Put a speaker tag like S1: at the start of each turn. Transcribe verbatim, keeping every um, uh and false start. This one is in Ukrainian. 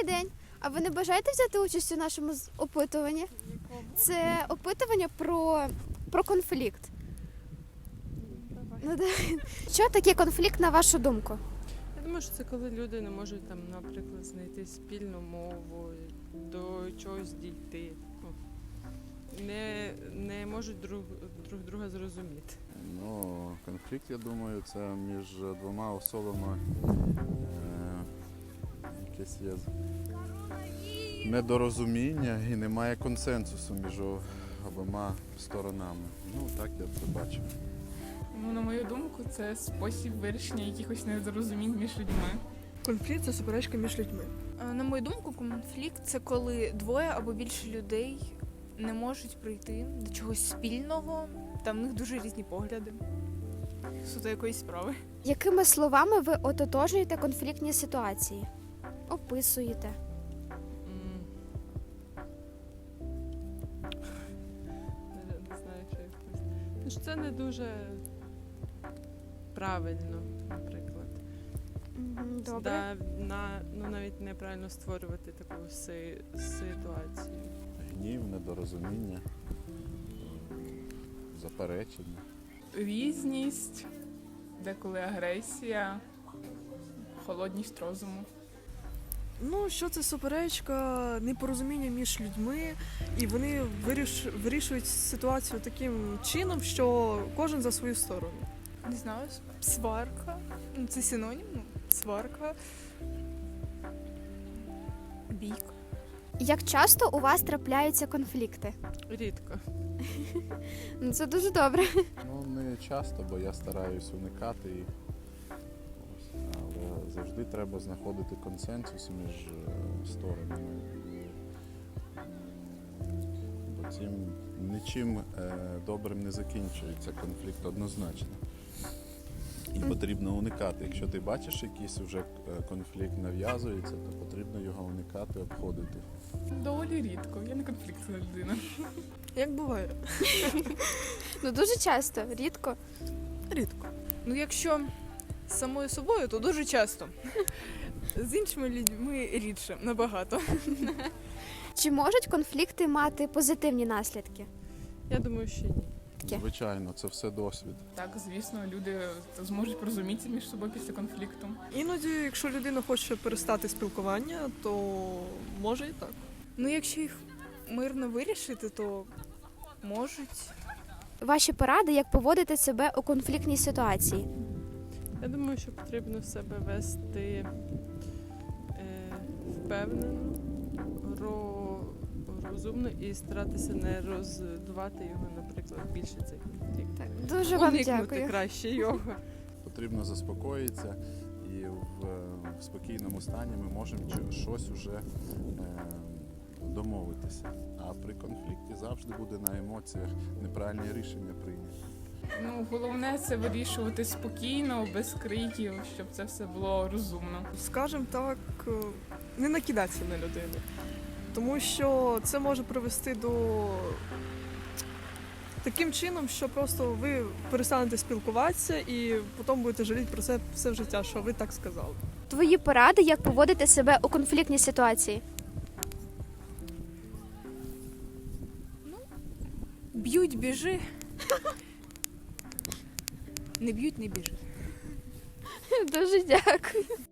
S1: Добрий день. А ви не бажаєте взяти участь у нашому з- опитуванні? Це опитування про, про конфлікт. Ну, да. Що таке конфлікт, на вашу думку?
S2: Я думаю, що це коли люди не можуть там, наприклад, знайти спільну мову, до чогось дійти. Ну, не, не можуть друг, друг друга зрозуміти.
S3: Ну, конфлікт, я думаю, це між двома особами е, якесь є недорозуміння і немає консенсусу між обома сторонами. Ну, так я це бачу.
S4: Ну, на мою думку, це спосіб вирішення якихось незрозумінь між людьми.
S5: Конфлікт це суперечка між людьми.
S6: Е, На мою думку, конфлікт це коли двоє або більше людей не можуть прийти до чогось спільного, та в них дуже різні погляди суто якоїсь справи.
S1: Якими словами ви ототожнюєте конфліктні ситуації? Описуєте?
S2: М. Не, не знаю, що як пояснити. Ну, що це не дуже правильно, наприклад.
S1: Мгм, Добре.
S2: Да, на, ну, навіть неправильно створювати таку си, ситуацію.
S3: Гнів, недорозуміння, заперечення.
S4: Різність, деколи агресія, холодність розуму.
S5: Ну, що це суперечка, непорозуміння між людьми, і вони виріш... вирішують ситуацію таким чином, що кожен за свою сторону.
S6: Не знаю, сварка. Ну, це синонім, ну, сварка. Бійка.
S1: Як часто у вас трапляються конфлікти?
S2: Рідко.
S1: Ну, це дуже добре.
S3: Ну, не часто, бо я стараюсь уникати їх. Ось. Але завжди треба знаходити консенсус між е, сторонами. І, м, бо цим нічим е, добрим не закінчується конфлікт однозначно. І потрібно уникати. Якщо ти бачиш якийсь вже е, конфлікт нав'язується, то потрібно його уникати, обходити.
S4: Доволі рідко. Я не конфліктна людина.
S5: Як буває?
S1: Ну, дуже часто, рідко.
S5: Рідко.
S6: Ну, якщо з самою собою, то дуже часто. З іншими людьми рідше, набагато.
S1: Чи можуть конфлікти мати позитивні наслідки?
S2: Я думаю, що ні.
S1: Таке.
S3: Звичайно, це все досвід.
S4: Так, звісно, люди зможуть порозумітися між собою після конфлікту.
S5: Іноді, якщо людина хоче перестати спілкування, то може і так.
S6: Ну, якщо їх мирно вирішити, то можуть.
S1: Ваші поради, як поводити себе у конфліктній ситуації?
S2: Я думаю, що потрібно себе вести е, впевнено, ро, розумно і старатися не роздувати його, наприклад, більше цей конфлікт.
S1: Так, дуже вам
S2: Уникнути
S1: дякую.
S2: краще його.
S3: Потрібно заспокоїтися і в, в спокійному стані ми можемо чи- щось уже е, домовитися. А при конфлікті завжди буде на емоціях неправильні рішення прийняті.
S4: Ну, головне це вирішувати спокійно, без криків, щоб це все було розумно.
S5: Скажем так, е, не накидатися на людину. Тому що це може привести до таким чином, що просто ви перестанете спілкуватися і потім будете жаліти про це все життя, що ви так сказали.
S1: Твої поради, як поводити себе у конфліктній ситуації?
S6: Б'ють, біжи. Не б'ють, не біжи.
S1: Дуже дякую.